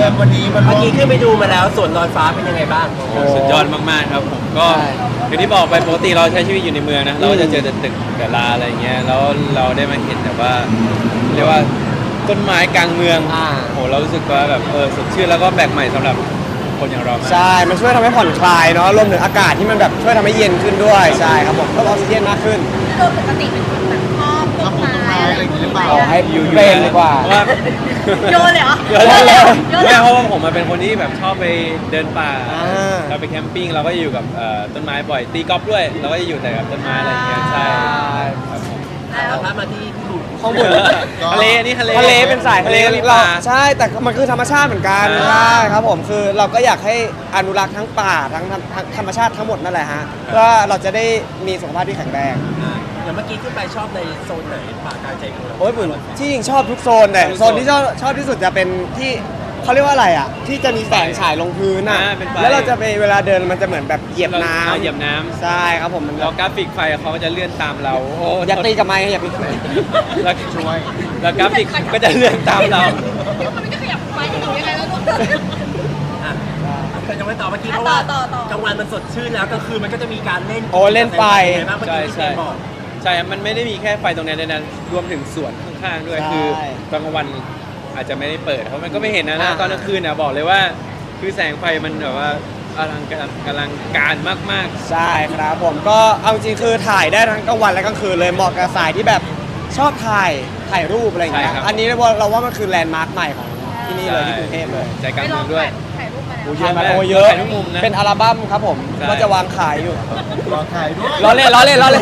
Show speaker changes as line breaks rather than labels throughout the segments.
แบบวันนี้มัน
เมื่อกี้ขึ้นไปดูมาแล้วส่วนลอยฟ้าเป็นยังไงบ้าง
สุดยอดมากๆครับผมก็อย่างที่บอกไปปกติเราใช้ชีวิตอยู่ในเมืองนะเราก็จะเจอแต่ตึกแต่ลาอะไรเงี้ยแล้วเราได้มาเห็นแบบว่าเรียกว่าต้นไม้กลางเมืองโหเรารู้สึกว่าแบบสดชื่นแล้วก็แปลกใหม่สำหรับคนอย่างเรามาก
ใช่มันช่วยทำให้ผ่อนคลายเนาะรวมถึงอากาศที่มันแบบช่วยทำให้เย็นขึ้นด้วยใช่ครับผมเพิ่มออกซิเจนมากขึ้น
โดยปกติเป็นคนแบบชอบต้นไม้อะไรอย่างเงี้ย
ขอให้
อยู่
เบรนดีกว่า
เพราะว่า
โยนเลยเหรอ
เยอะแล้ว
โยนเลย
ไม่
เหรอ
เพราะว่าผมเป็นคนที่แบบชอบไปเดินป่า
อ่า
เราไปแคมปิ้งเราก็จะอยู่กับต้นไม้บ่อยตีกอล์ฟด้วยเราก็จะอยู่แต่กับต้นไม้อะไรอย่างเงี้ยใช่ครับผม
แล้วถ้ามาที่พี่บุ๋ม
ข้างบน
ทะเลนี่ทะเล
ทะเลเป็นสายทะเล
ก็มีป
เรา
ลา
ใช่แต่มันคือธรรมชาติเหมือนกัน
อ่า
ใช่ครับผมคือเราก็อยากให้อนุรักษ์ทั้งป่าทั้งธรรมชาติทั้งหมดนั่นแหละฮะเพื่อเราจะได้มีสุขภาพที่แข็งแรง
อย่างเมื่อกี้ขึ้นไปชอบในโซนไหนป่ากลางใจเมือง
โอ้ยผมที่จริงชอบทุกโซนแต่โซนที่ชอบที่สุดจะเป็นที่เขาเรียกว่าอะไรอ่ะที่จะมีแสงฉายลงพื้นอ่ะ
เป็นไฟ
แล้วเราจะไปเวลาเดินมันจะเหมือนแบบเหยียบน้
เหยียบน้
ำใช่ครับผมมัน
ำแล้วกราฟิกไฟเขาก็จะเลื่อนตามเราโอ้
อย่าตีกับไม้อย่าตี
แล้วช่วยแล้วกราฟิกก็จะเลื่อนตามเรา
เดี๋ยวมันก็ขยับไปจะอยู่ยังไงแล้วลูก
อ่ะแต่ยังไม่ต่อเมื่อกี้เพราะว่า
ต่อ
กลางวันมันสดชื่นแล้วกลางคืนมันก็จะมีการเล่น
โอ้เล่นไฟ
ยังไงบ้างเมื่อกี้ที่เจมบอก
ใช่ครับมันไม่ได้มีแค่ไฟตรงนี้ด้วยนะรวมถึงสวนข้างๆด้วย
ใช่
คือตอนกลางวันอาจจะไม่ได้เปิดเพราะมันก็ไม่เห็นนะ
อ่า
ตอนกลางคืนนะบอกเลยว่า คือแสงไฟมันแบบว่าอลังการมาก
ใช่ครับผมก็เอาจริงคือถ่ายได้ทั้งกลางวันและกลางคืนเลยเหมาะกับสายที่แบบชอบถ่ายรูปอะไรอย่างเงี้ยอันนี้เราว่ามันคือแลนด์มาร์คใหม่ของที่นี่เลยที่กรุงเทพเลย
ใจกลางเมืองด้วย
ถ่ายรูปมาแล้ว
โอ้
ถ่ายมา
เยอะมาก
โอ้เยอะ
ถ่ายทุกมุมนะ
เป็นอัลบั้มครับผม
ใช่
ว่าจะวางขายอยู่
รอถ่ายด้วย
ล้อเล่น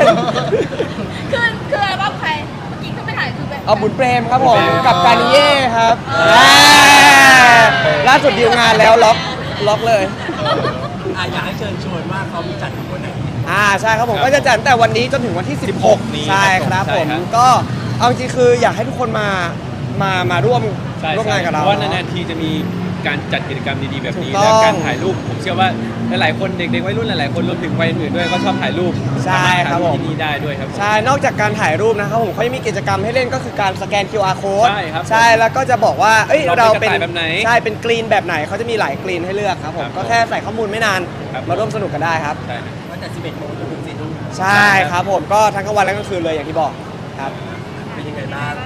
คืออะไรบ้างใครเมื่อกี้ขึ้นไปถ่ายคือแบบ
เอาบุญเปรมครับผม
บุญเปรม
กับการนิเย่ครับ
อ่า
ล่าสุดดีลงานแล้วล็อกเลย
อยากให้เชิญชวนว่าเขามีจัดอยู่วันไหน
ใช่ครับผม
ครับ
ก็จะจัดตั้งแต่วันนี้จนถึงวันที่
16นี้
ใช่ครับ
ใช่
ผม
ครับ
ก็เอาจริงคืออยากให้ทุกคนมาร่วม
ใช่
ร่วมงานกับเรา
เพราะว่านานๆทีจะมีการจัดกิจกรรมดีๆแบบนี้
ถูกต้อง
และการถ่ายรูปผมเชื่อว่าหลายๆคนเด็กๆวัยรุ่นหลายๆคนรวมถึงวัยอื่นๆด้วยก็ชอบถ่ายรูป
ใช่ครับผม
สาาถถ่ายที่นี่ได้ด้วยครับผม
ใช่ นอกจากการถ่ายรูปนะครับผมเขายังมีกิจกรรมให้เล่นก็คือการสแกน QR code
ใช่ครับ
ใช่แล้วก็จะบอกว่าเอ้ย
เรา
เรา
เป็
เป็น น
กระต่ายแบบไหน
ใช่เป็นกรีนแบบไหนเขาจะมีหลายกรีนให้เลือกครับผม
ครับ
ก็แค่ใส่ข้อมูลไม่นาน
ครับ
มาร่วมสนุกกันได้ครับ
ใช่ครับ
ตั้งแต่11 โมงจนถึง4 ทุ่ม
ใช่ครับผมก็ทั้งกลางวันและกลางคืนเลยอย่างที่บอกครับ
เป็นยังไงบ้าง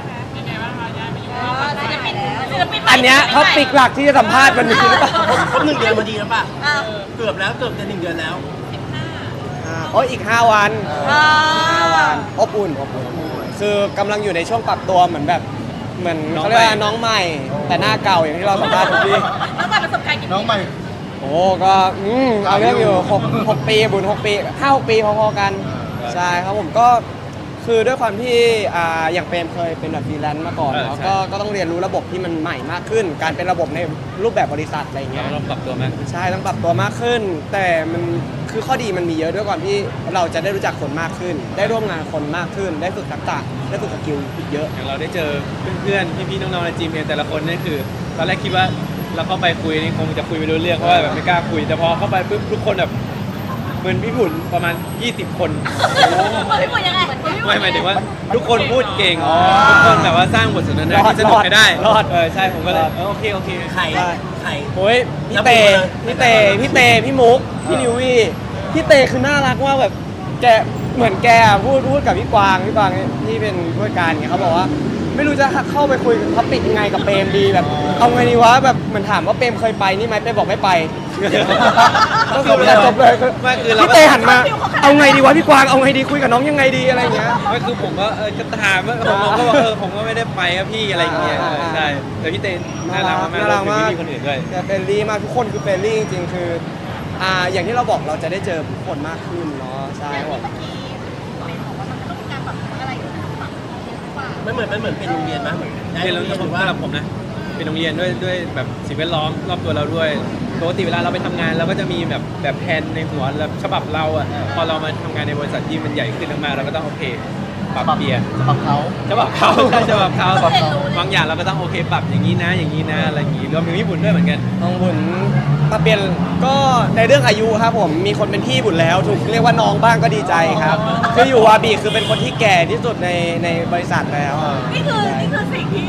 ศิลปินใหม่
อันเนี้ยท็อปิกหลักที่จะสัมภาษณ์วันนี้หรือเปล่า
ครบ1 เดือนพอดีแล้วป่ะ
อ่า
เกือบแล้วเกือบจะ1 เดือนแล้ว
โอ้ยอีก 5 วัน
อ่า
อบอุ่นคือกำลังอยู่ในช่วงปรับตัวเหมือนแบบเหมือน
น้อง
เขาเรียกว่า
ใหม่
น้องใหม่ แต่หน้าเก่าอย่างที่เราสัมภาษณ์ทุกที
น้องใหม่ประสบการณ์กี่
น้อง
ปี
ใหม่
โอ้ก็เอาเรื่องอยู่6 ปีบุญ6 ปี5-6 ปีพอๆกัน ใช่ครับผมก็คือด้วยความที่อย่างเปรมเคยเป็นแบบฟรีแลนซ์มาก่อนเนาะ
ใช่
ก็ต้องเรียนรู้ระบบที่มันใหม่มากขึ้น การเป็นระบบในรูปแบบบริษัทอะไรอย่างเงี้ย
เราปรับตัวมากขึ้น
ใช่ต้องปรับตัวมากขึ้น แต่มันคือข้อดีมันมีเยอะด้วยความที่เราจะได้รู้จักคนมากขึ้น ได้ร่วมงานกับคนมากขึ้น ได้ฝึกทักษะได้ฝึกสกิลอีกเยอะ
อย่างเราได้เจอเพื่อนๆพี่ๆน้องๆในจีมเองแต่ละคนนี่คือตอนแรกคิดว่าเราเข้าไปคุยนี่คงจะคุยไม่รู้เรื่องเพราะว่าแบบไม่กล้าคุยแต่พอเข้าไปปุ๊บทุกคนแบบเหมือนพี่บุญประมาณ20 คน
พี่บุญยังไง
ไม่หมายถึงว่าทุกคนพูดเก่งทุกคนแบบว่าสร้างบทสนทนาร
อด
ที่สนุกให้ได้
รอด
ใช่ผมก็เลยโอเค
ใคร
ได้
ใคร
โอ้ยพี่
แล้ว
เต
ผมเลย
พี่มุกพี่นิววี่พี่เตคือน่ารักมากแบบแกเหมือนแกพูดกับพี่กวางที่เป็นผู้จัดการเงี้ยเขาบอกว่า ไม่รู้จะเข้าไปคุยกับท็อปิกยังไงกับเปรมดีแบบเอาไงดีวะแบบเหมือนถามว่าเปรมเคยไปนี่ไหมเปรมบอกไม่ไป ก็คือจบเลย
ไม่คือเรา
พี่เตหันมาเอาไงดีวะพี่กวางเอาไงดีคุยกับน้องยังไงดีอะไรเงี้ย
ไม่คือผมก็จะถามว่าผมก็บอกผมก็ไม่ได้ไปครับพี่อะไรอย่างเงี้ยใช่แต่พี่เต้น่ารักมาก
น่ารักมาก
พี่คนอื่นด้วย
แต่เฟรนลี่มากทุกคนคือเฟรนลี่จริงๆคืออย่างที่เราบอกเราจะได้เจอผู้คนมากขึ้นเนาะใช่
อย่าง
ครับ
ที่เมื่อกี้เป็นบอกว่ามันจะต้องมีการปรับอะไรอยู่ปรับเยอะกว่า
มันเหมือนเป็นโรงเรียนมั้ยเหมือนได้
เรียน
โร
แล้ว
งเรียนหรือว่า
สำหรับผมนะเป็นโรงเรียนด้วยแบบสิ่งแวดล้อมรอบตัวเราด้วยปกติเวลาเราไปทำงานเราก็จะมีแบบแผนในหัวแบบฉบับเราอ่ะพอเรามาทำงานในบริษัทที่มันใหญ่ขึ้นมากๆเราก็ต้องโอเคปรับเปลี่ยน
ปรับเขา
ฉบับเขาใช่ฉบับเขา
ต้องเรียนรู้เลย
บางอย่างเราก็ต้องโอเคปรับอย่างนี้นะอะไรอย่างนี้รวมถึงญี่ปุ่นด้วยเหมือนกัน
น้องบุญมาเปลี่ยนก็ในเรื่องอายุครับผมมีคนเป็นพี่บุญแล้วถูกเรียกว่าน้องบ้างก็ดีใจครับคืออยู่วาบีคือเป็นคนที่แก่ที่สุดในบริษัทแล้ว
นี่คือสิ่งที่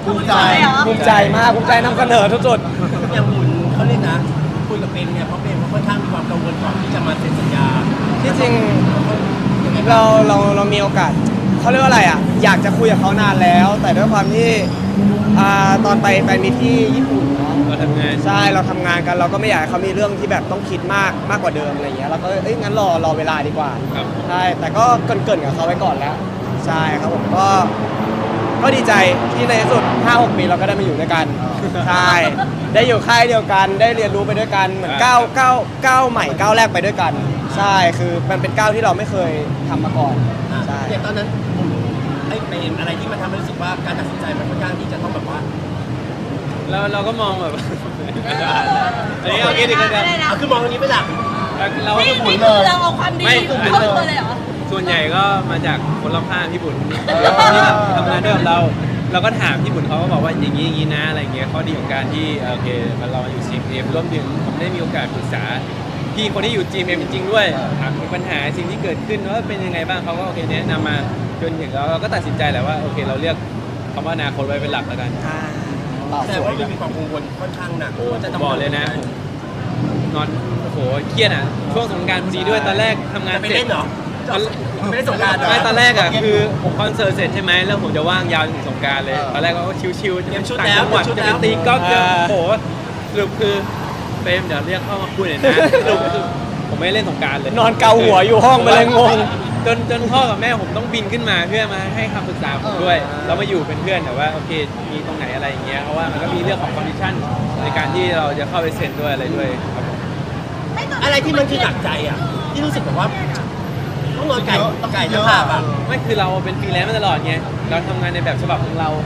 ภูมิใจเหรอ
ภูมิใจมากภูมิใจนำเสนอทุกจุด
อย่างบุญเขาเรียกนะคุยกับเปรมเนี่ยเพราะเปรมเขาค่อนข้างมีความกังวลก่อนที่จะมาเซ็นสัญญา
ที่จริง
ยังไงบ้าง
เรามีโอกาสเขาเรียกว่าอะไรอ่ะอยากจะคุยกับเขานานแล้ว แต่ด้วยความที่ตอนไปแฟนมีตที่ญี่ปุ่นเนาะ
เราทำงาน
ใช่เราทำงานกันเราก็ไม่อยากให้เขามีเรื่องที่แบบต้องคิดมากกว่าเดิมอะไรอย่างเงี้ยเราก็งั้นรอเวลาดีกว่า
ครับ
ใช่แต่ก็เกรินกับเขาไว้ก่อนแล้วใช่ครับผมก็ดีใจที่ในที่สุด 5-6 ปีเราก็ได้มาอยู่ด้วยกันใช่ได้อยู่ค่ายเดียวกันได้เรียนรู้ไปด้วยกันเหมือนก้าวใหม่ก้าวแรกไปด้วยกัน ใช่คือมันเป็นก้าวที่เราไม่เคยทำมาก่อนใช่
อย่างตอนนั้นบุญไอ้เปรมอะไรที่มันทำให้รู้สึกว่าการตัดสินใจมันค่อนข้างที่จะต้องแบบว่า
เราก็มองแบบ อันนี้เอาคิดดีกันนะ
เอาคือมองตรงนี้ไม่หลัก
เราก็
นี่
บุญ
คือเราเอาความดี
ไม่
ของเขาเลยเหรอ
ส่วนใหญ่ก็มาจากคนรอบข้างพี่บุญที่ทำงานด้วยกับเราก็ถามพี่บุญเขาก็บอกว่าอย่างนี้นะอะไรเงี้ยข้อดีของการที่โอเคมันเราอยู่ GMM ร่วมถึงผมได้มีโอกาสปรึกษาพี่คนที่อยู่ GMM จริงๆด้วยถามถึงปัญหาสิ่งที่เกิดขึ้นว่าเป็นยังไงบ้างเขาก็โอเคแนะนำมาจนถึงเราก็ตัดสินใจแหละว่าโอเคเราเลือกคำว่าอนาคตไว้เป็นหลักแล้วกัน
ตอบ
แต่
สวย
ว่ามันมีความกังวลค่อนข้างหนัก
โอ้
ว่าจะต้อง
บอกเลยนะผมนอนโอ้โหเครียดอ่ะช่วงสงกรานต์พอดีด้วยตอนแรกทำงาน
ไป
เสร็
เล่
จ
นเหรอไม่ได้สงกรารเหรอ
ไม่ตอนแรกอ่ะคือผมคอนเสิร์ตเสร็จใช่ไหมแล้วผมจะว่างยาวถึงสงกรานต์เลยตอนแรกก็ชิวๆ
เตรียมชุด
ต่าง
แล้ว
จังหวัด
เตรียมชุด
จะ
แล้
ไป
ว
ตีกอล์ฟจะโอ้โหสรุปคือเฟรมเดี๋ยวเรียกเข้ามาคุยหน่อยนะสรุปคือผมไม่ได้เล่นสงกรานต์เลย
นอนเกาหัวอยู่ห้องไปเลยงง
จนพ่อกับแม่ผมต้องบินขึ้นมาเพื่อมาให้คำปรึกษาผมด้วยแล้วมาอยู่เป็นเพื่อนแต่ว่าโอเคมีตรงไหนอะไรอย่างเงี้ยเพราะว่ามันก็มีเรื่องของคอนดิชั่นในการที่เราจะเข้าไปเซ็นด้วยอะไรด้วยครับผม
อะไรที่มันคือหนักใจอ่ะที่รู้สึกแบบว่าต้องนอนไก่จะผ่าอ่ะ
ไม่คือเราเป็นฟรีแลนซ์มาตลอดไงเราทำงานในแบบฉบับของเรา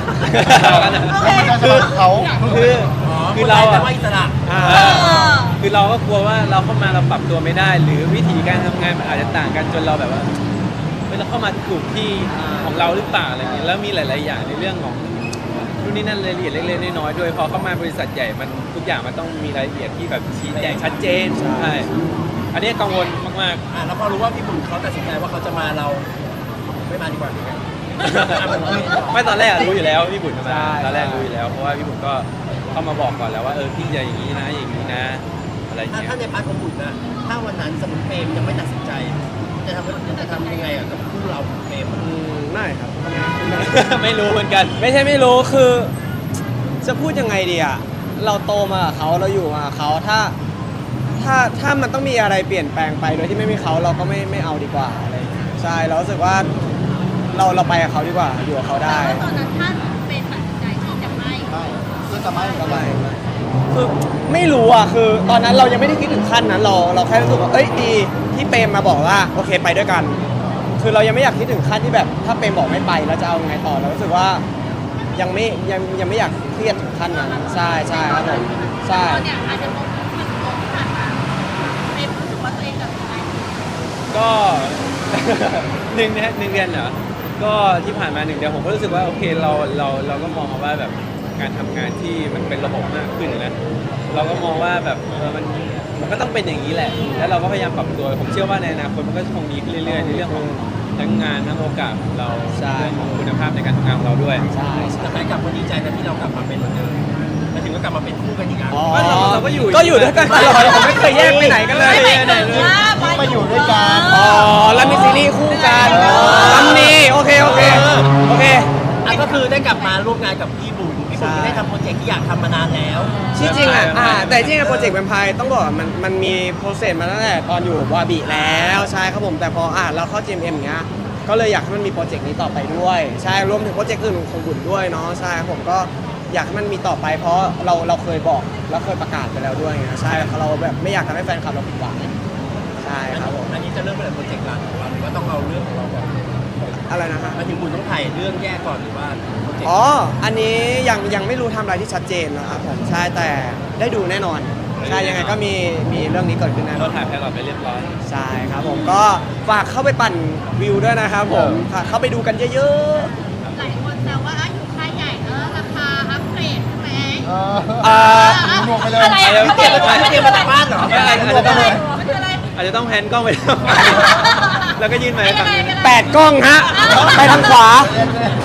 คือเขา
คือเรา
แต่
อะ
ว่าอิสระ
คือเราก็กลัวว่าเราเข้ามาเราปรับตัวไม่ได้ หรือวิธีการทำงานมันอาจจะต่างกันจนเราแบบว่าเราเข้ามาถูกที่ของเราหรือเปล่าอะไรอย่างเงี้ยแล้วมีหลาย ๆ อย่างในเรื่องของนู่นนี่นั่นรายละเอียดเล็ก ๆ น้อย ๆ ด้วยพอเข้ามาบริษัทใหญ่มันทุกอย่างมันต้องมีรายละเอียดที่แบบชี้แจงชัดเจนใช่อันนี้กังวลมาก
แล้วพอรู้ว่าพี่บุญเขาตัดสินใจว่าเขาจะมาเราไม่มาดีกว่า
ๆ ไม่ตอนแรกอะรู้อยู่แล้วพี่บุญจะมา
ใช่
ตอนแรกรู้อยู่แล้วเพราะว่าพี่บุญก็เข้ามาบอกก่อนแล้วว่าพี่จะอย่างนี้นะอย่างนี้นะอะไรอย่างเงี้ย
ถ้าในพาร์ทของบุญนะถ้าวันนั้นสมมติเปรมยังไม่ตัดสินใจจะทำยังไงอ่ะกับคู่เราเปรม
ไม่ครับ
ไม่รู้เหมือนกัน
ไม่ใช่ไม่รู้คือ จะพูดยังไงดีอ่ะเราโตมากับเขาเราอยู่มากับเขาถ้ามันต้องมีอะไรเปลี่ยนแปลงไปโดยที่ไม่มีเขาเราก็ไม่เอาดีกว่าอะไรอย่างเงี้ยใช่เรารู้สึกว่าเราไปกับเขาดีกว่าอยู่กับเขาได้
ตอนนั้นท่านเป็นตัดสินใจที่จะไม่
ก็ไม่คือไม่รู้อ่ะคือตอนนั้นเรายังไม่ได้คิดถึงขั้นนั้นเราแค่รู้สึกว่าเอ้ยดีที่เปรมมาบอกว่าโอเคไปด้วยกัน คือเรายังไม่อยากคิดถึงขั้นที่แบบถ้าเปรมบอกไม่ไปแล้วจะเอาไงต่อเรารู้สึกว่ายังไม่อยากเครียดถึงขั้นนั้นใช่ครับผมใช่
ตอนเนี้ยอาจจะต้องมันตรงผ่านมาเป็นรู้สึกว่าตัวเองตัดสินใจ
ก็ หนึ่งเดือนเหรอก็ที่ผ่านมา1 เดือนผมก็รู้สึกว่าโอเคเราก็มองว่าแบบการทำงานที่มันเป็นระบบมากขึ้นนะเราก็มองว่าแบบมันก็ต้องเป็นอย่างนี้แหละ แล้วเราก็พยายามปรับตัวผมเชื่อว่าในอนาคตมันก็คงดีขึ้นเรื่อยๆในเรื่องของทั้งงานทั้งโอกาสของเราเรื่องของคุณภาพในการทำงานของเราด้วย
ใช่
แต่แฟนกลับมาดีใจนะที่เรากลับมาเป็นเหมือนเดิมมาถึงก็กลับมาเป็นคู่กันอีกอ่ะ
อ๋อ
เราก็อยู่
ก็อยู่ด้วยกันตลอดผมไม่เคยแยกไปไหนกันเลย
มาอยู่ด้วยกัน
อ๋อแล้วมีซีรีส์คู่กันลำนี้โอเค
ก็คือได้กลับมาร่วมงานกับพี่บุญได้ทำโปรเจกต์ที่อยากทำมานานแล้ว
ที่จริงอ่ะแต่จริงๆโปรเจกต์แวมไพร์ต้องบอกว่ามันมีโปรเซสมาตั้งแต่ตอนอยู่วาบิแล้วใช่ครับผมแต่พอเราเข้า GMM เงี้ยก็เลยอยากให้มันมีโปรเจกต์นี้ต่อไปด้วยใช่รวมถึงโปรเจกต์อื่นของบุญด้วยเนาะใช่ผมก็อยากให้มันมีต่อไปเพราะเราเคยบอกแล้วเคยประกาศไปแล้วด้วยไงใช่เราแบบไม่อยากทำให้แฟนคลับเราผิดหวังใช่ครับผม
อันนี้จะเริ่มเป็นโปรเจกต์การของเราหรือว่าต้องเอาเรื่องของเราก่อน
อะไรนะฮะ
มาถึงบุญต้องถ่ายเรื่องแยกก่อนหรือว่าโปรเจกต์
อ๋ออันนี้ยังไม่รู้ทำอะไรที่ชัดเจนนะครับผมใช่แต่ได้ดูแน่นอนใช่ยังไงก็มีเรื่องนี้เกิดขึ้นแน่น
เรา
อน
ถ่ายแพลนไปเรียบร้อย
ใช่ครับผมก็ฝากเข้าไปปั่นวิวด้วยนะครับผมฝากเข้าไปดูกันเยอะ
หลายคนแซวว่าอยู่ค่ายใหญ่ราคาอัพเกรดใช่ไหม
ๆ
อะไร
ไม่เตรียมมาจากบ้านเหรอ
อาจจะต้องแพนกล้องไป แล้วก็ยื่นมาให้ฟัง
8 กล้องฮะไปทางขวา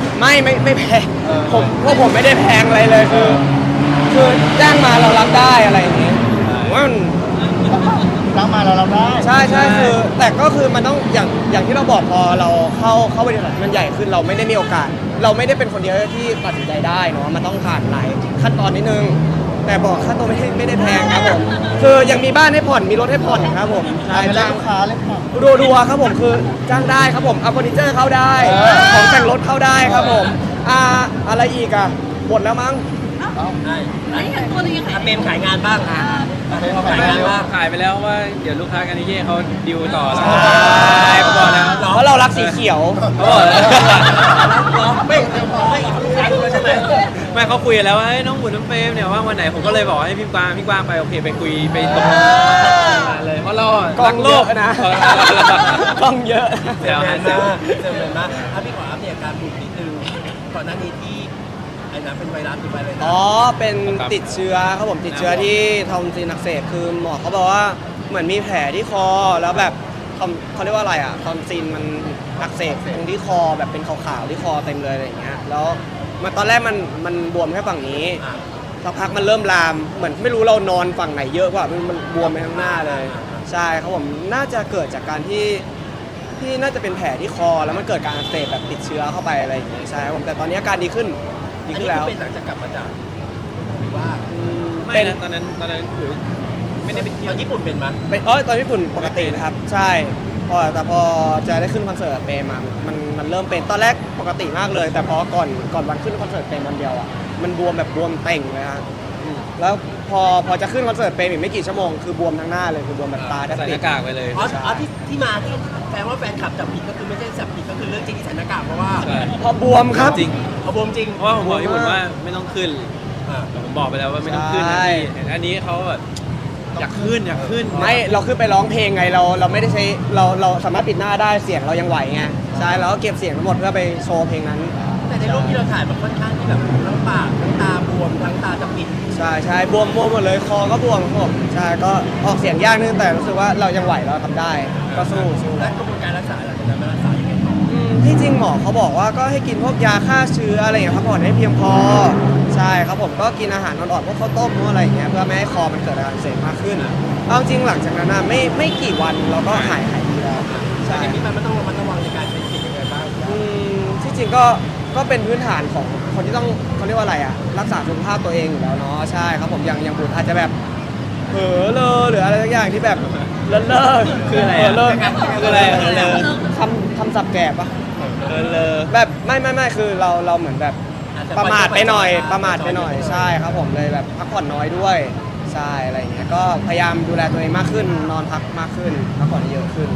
ไม่แพงพวกผมไม่ได้แพงอะไรเลยคือจ้างมาเรารับได้อะไรอย่างเงี้ยว่ามัน
รับมาแล้วเราได้
ใช่คือแต่ก็คือมันต้องอย่างที่เราบอกพอเราเข้าบริษัทมันใหญ่ขึ้นเราไม่ได้มีโอกาส เราไม่ได้เป็นคนเดียวที่ตัดสินใจได้เนาะมันต้องผ่านหลายขั้นตอนนิดนึง แต่บอกค่าตัวไม่ได้แพงครับผมคือยังมีบ้านให้ผ่อนมีรถให้ผ่อนครับผมใช่
จ้า
จ้าง
ลูกค้าเลยค่ะ
รัวๆครับผมคือจ้างได้ครับผมเอาเฟอร์นิเจอร์เข้าได้ ของแต่งรถเข้าได้ครับผมอะไรอีกอ่ะหมดแล้วมั้ง
ได้
ไอ้เห็นตัวนึงยังไง
เปรมขายงานบ้างขายงานบ้าง
ขายไปแล้วว่าเดี๋ยวลูกค้ากันนิเย่เขาดิวต่อแล้ว
ใช่
เขาบอกแล้ว
เพราะเรารักสีเขียว
เขาบอกแล้ว
ไม่ลูกค้าด้วยใช่ไหม
ไม่เขาคุยกันแล้วว่าเฮ้ยน้องบุญน้องเฟรมเนี่ยว่างวันไหนผมก็เลยบอกให้พี่กวางไปโอเคไปคุยไปตกลงเลยเพราะเรา
กล้องเยอะนะ กล้องเยอะ
เดี๋ยว
เซ
หา
ล
เซล
มากพี่ขออัปเดตอาการบุกนิดนึงก่อนหน้านี้ที่ไอ้นั้นเป็นไวรัสหรือไวอะไรนะ
อ๋อ เป็นติดเชื้อครับผมติดเชื้อที่ทอมซินอักเสบคือหมอเขาบอกว่าเหมือนมีแผลที่คอแล้วแบบเขาเรียกว่าอะไรอ่ะทอมซินมันอักเสบตรงที่คอแบบเป็นขาวๆที่คอเต็มเลยอะไรอย่างเงี้ยแล้วมันตอนแรกมันบวมแค่ฝั่งนี้สักพักมันเริ่มลามเหมือนไม่รู้เรานอนฝั่งไหนเยอะกว่ามันบวมไปข้างหน้าเลย ใช่ครับผมน่าจะเกิดจากการที่น่าจะเป็นแผลที่คอแล้วมันเกิดการอักเสบแบบติดเชื้อเข้าไปอะไรอย่างเงี้ยใช่ครับผมแต่ตอนนี้อาการดีขึ้นแล้ว
เป็นหลังจากกลับมาจากหรือว่า
ไม่นะตอนนั้นคือไม่ได้ไปเที่
ต
ย
อ
วน
ญี่ปุ่นเป็นมั้ย
ตอนญี่ปุ่นปกตินะครับใช่แต่พอจะได้ขึ้นคอนเสิร์ตเปรมอะมันเริ่มเป็นตอนแรกปกติมากเลย แต่พอก่อนวันขึ้นคอนเสิร์ตเปรมวันเดียวอ่ะมันบวมแบบบวมเต่งเลยฮะแล้วพอจะขึ้นคอนเสิร์ตเปรมอีกไม่กี่ชั่วโมงคือบวมทั้งหน้าเลยคือบวมแบบตาแทบ
ใส่ห
ปิด
น้ากากไปเลย
อ๋อที่มาที่แฟนว่าแฟนขับจับผิดก็คือไม่ใช่จับผิดก็คือเรื่องจริงที่ใส่หน้ากากเพราะว่า
ใช่
พอบวมครับ
จริง
เอาบวมจริง
เพราะว่าผมบอกญี่ปุ่นว่าไม่ต้องขึ้น
อ่า
แต่ผมบอกไปแล้วว่าไม่ต้องขึ้นนะ
ใช่
พี่อันนี้เขาแบบอยากขึ้น
ไม่เราขึ้นไปร้องเพลงไงเราไม่ได้ใช้เราสามารถปิดหน้าได้เสียงเรายังไหวไงใช่เราก็เก็บเสียงทั้งหมดเพื่อไปโชว์เพลงนั้น
แต่ในรูปที่เราถ่ายมันค่อนข้างที่แบบทั้งปากทั้งตาบวมทั้งตาจะปิด
ใช่บวมหมดเลยคอก็บวมครับผมใช่ก็ออกเสียงยากนิดนึงแต่รู้สึกว่าเรายังไหวเราทำได้ก็สู้
และกระบวนการรักษาหลังจากนั้นมันรักษายังไงต่อ
ที่จริงหมอเขาบอกว่าก็ให้กินพวกยาฆ่าเชื้ออะไรอย่างเงี้ยพักผ่อนให้เพียงพอใช่ครับผมก็กินอาหารอ่อนๆพวกข้าวต้มพวกอะไรอย่างเงี้ยเพื่อไม่ให้คอมันเกิดอาการอักเสบมากขึ้นเอาจริงหลังจากนั้นไม่กี่วันเราก็หายดีแล้ว
ใช่
ใช่
ที่มันต้องระมัดระวังในการใช้ชีวิตยังไงบ้าง
ที่จริงก็เป็นพื้นฐานของคนที่ต้องเขาเรียกว่าอะไรอ่ะรักษาสุขภาพตัวเองอยู่แล้วเนาะใช่ครับผมอย่างบุญอาจจะแบบเผลอเลอหรืออะไรสักอย่างที่แบบเลิศคืออะไรเลิศคืออะไรเลิศคำศัพท์แก่ปะเลอแบบไม่คือเราเหมือนแบบประมาทไปหน่อยใช่ครับผมเลยแบบพักผ่อนน้อยด้วยใช่อะไรอย่างเงี้ยก็พยายามดูแลตัวเองมากขึ้นนอนพักมากขึ้นพักผ่อนเยอะขึ้น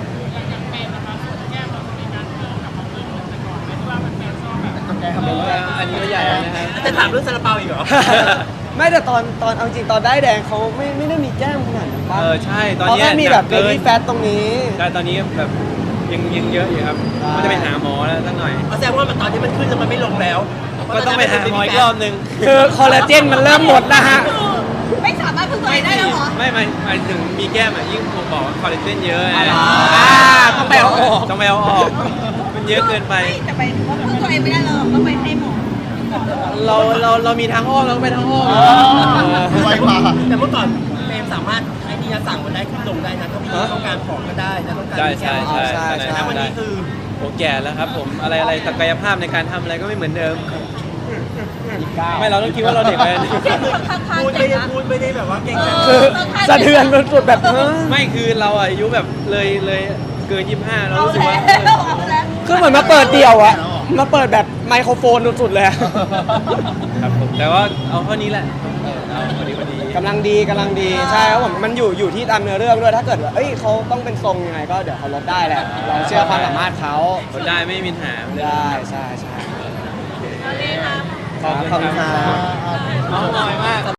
อันนี้ก็ใหญ่แล้วนะครับ
จะถามเรื่องซาลาเปาอีกเหรอ
ไม่แต่ตอนเอาจริงตอนได้แดงเขาไม่ได้มีแก้มขนาดนั้นปะ
ใช่ตอน
เขา
เนี้ย
แค่มี
ห
แบ
นั
บ
ก
เบ
เกิน
บี้แฟตตรงนี้
ใช่ตอนนี้แบบยังเยอะอยู่ครับ
ใช่
ก็จะไปหาหมอแล้วสักหน่อย
แสดงว่ามันตอนนี้มันขึ้นแล้วมันไม่ลงแล้ว
ก็ต้องไปหาหมออีกรอบนึง
คือคอลลาเจนมันเริ่มหมดนะฮะ
ไม่สามารถพึ่งตัวเองได้แล้วเหรอ
ไม่หมายถึงมีแก้มอ่ะยิ่งผมบอกว่าคอลลาเจนเยอะ
ต้องไปเอาออก
ต้องไปเอาออกมันเยอะเกินไป
แต่ไปถึงว่าพึ่งตัวเองไม่ได้เราต้องไปให้หมอ
เรามีทางอ้อมเราก็ไปทางอ้อม
ไวกว่าแต่เมื่อก่อนเฟรมสามารถใช้ที่จะสั่งมันได้ขึ้นลงได้นะถ้ามีต้องการของก็ได้นะต้องการ
ใช่
แล้ววันนี้คือ
ผมแก่แล้วครับผมอะไรศักยภาพในการทำอะไรก็ไม่เหมือนเดิม ไม่เราต้องคิดว่าเราเด็กไป
พูดไม่ได้แบบว่าเก่งนะ
คือสะเทือนสุดๆแบบเฮ้ย
ไม่คือเราอายุแบบเลยเกิน 25 เรา
เอา
รู้สึก
แล้
ว่า
วเอาแล้ว
คือเหมือนมาเปิดเดี่ยวอะมาเปิดแบบไมโครโฟนสุดๆเลยอะ
ครับผมแต่ว่าเอาเท่านี้แหละเอาพอดี
กำลังดีใช่ครับผมมันอยู่ที่ตามเนื้อเรื่องด้วยถ้าเกิดว่าเอ้ยเขาต้องเป็นทรงยังไงก็เดี๋ยวเขาลดได้แหละเราเชื่อความสามารถเขา
ลดได้ไม่มีปัญหาเลย
ได้ใช่
เอาเลยค่ะ
ขอบคุณครับ
น้องน้อยมาก